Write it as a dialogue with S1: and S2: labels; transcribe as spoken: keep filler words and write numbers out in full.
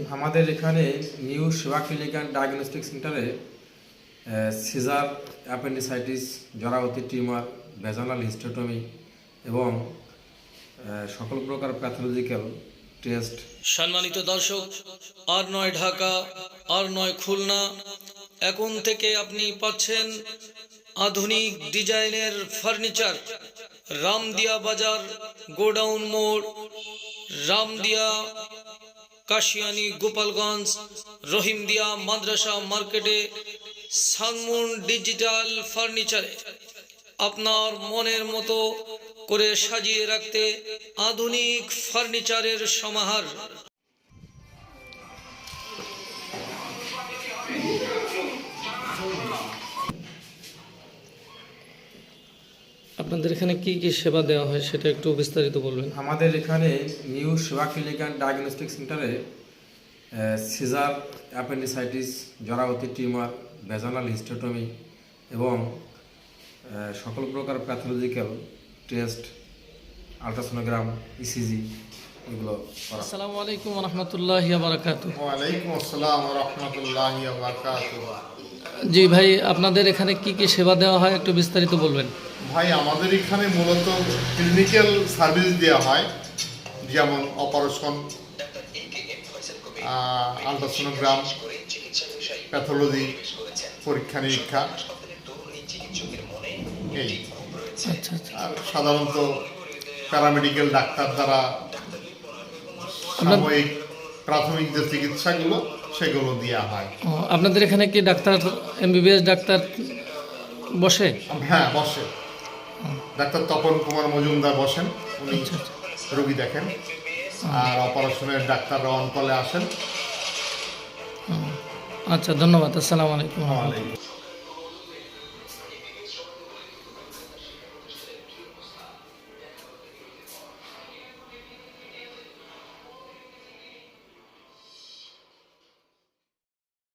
S1: আমাদের এখানে new Seva clinic and diagnostic সেন্টারে সিজার, অ্যাপেন্ডিসাইটিস, জরাবতী টিউমার, ভ্যাজানাল হিস্টেটমি এবং সকল প্রকার প্যাথোলজিক্যাল টেস্ট।
S2: সম্মানিত দর্শক, আর নয় ঢাকা, আর নয় খুলনা, এখন থেকে আপনি পাচ্ছেন আধুনিক ডিজাইনের ফার্নিচার। রামদিয়া বাজার, গোডাউন মোড়, রামদিয়া, কাশিয়ানি, গোপালগঞ্জ, রহিমদিয়া মাদ্রাসা মার্কেটে সানমুন ডিজিটাল ফার্নিচারে আপনার মনের মতো করে সাজিয়ে রাখতে আধুনিক ফার্নিচারের সমাহার। আপনাদের এখানে কি কি সেবা দেওয়া হয় সেটা একটু বিস্তারিত বলবেন।
S1: আমাদের এখানে new Seva clinic and diagnostic সেন্টারে সিজার, অ্যাপেন্ডিসাইটিস, জরাবতী টিউমার, ভ্যাজানাল হিস্টেটমি এবং সকল প্রকার প্যাথোলজিক্যাল টেস্ট, আলট্রাসোনোগ্রাম, ইসিজি এগুলো করা।
S2: আসসালামু আলাইকুম ওয়া রাহমাতুল্লাহি ওয়া বারাকাতুহু।
S3: ওয়া আলাইকুম আসসালাম ওয়া রাহমাতুল্লাহি ওয়া বারাকাতুহু।
S2: জি ভাই, আপনাদের এখানে কি কি সেবা দেওয়া হয় একটু বিস্তারিত বলবেন।
S3: ভাই, আমাদের এখানে মূলত ক্লিনিক্যাল সার্ভিস দেওয়া হয়, যেমন অপারেশন, আলট্রাসোনোগ্রাম, প্যাথোলজি, পরীক্ষা নিরীক্ষা, এই
S2: আচ্ছা আচ্ছা।
S3: আর সাধারণত প্যারামেডিক্যাল ডাক্তার দ্বারা সাময়িক প্রাথমিক যে চিকিৎসাগুলো সেগুলো দেওয়া হয়।
S2: ও, আপনাদের এখানে কি ডাক্তার, এমবিবিএস ডাক্তার বসে?
S3: হ্যাঁ, বসে। ডাক্তার তপন কুমার মজুমদার বসেন, উনি রোগী দেখেন। আর অপারেশনের ডাক্তাররা অন কলে আসেন।
S2: আচ্ছা, ধন্যবাদ। আসসালামু আলাইকুম।
S3: ওয়া আলাইকুম।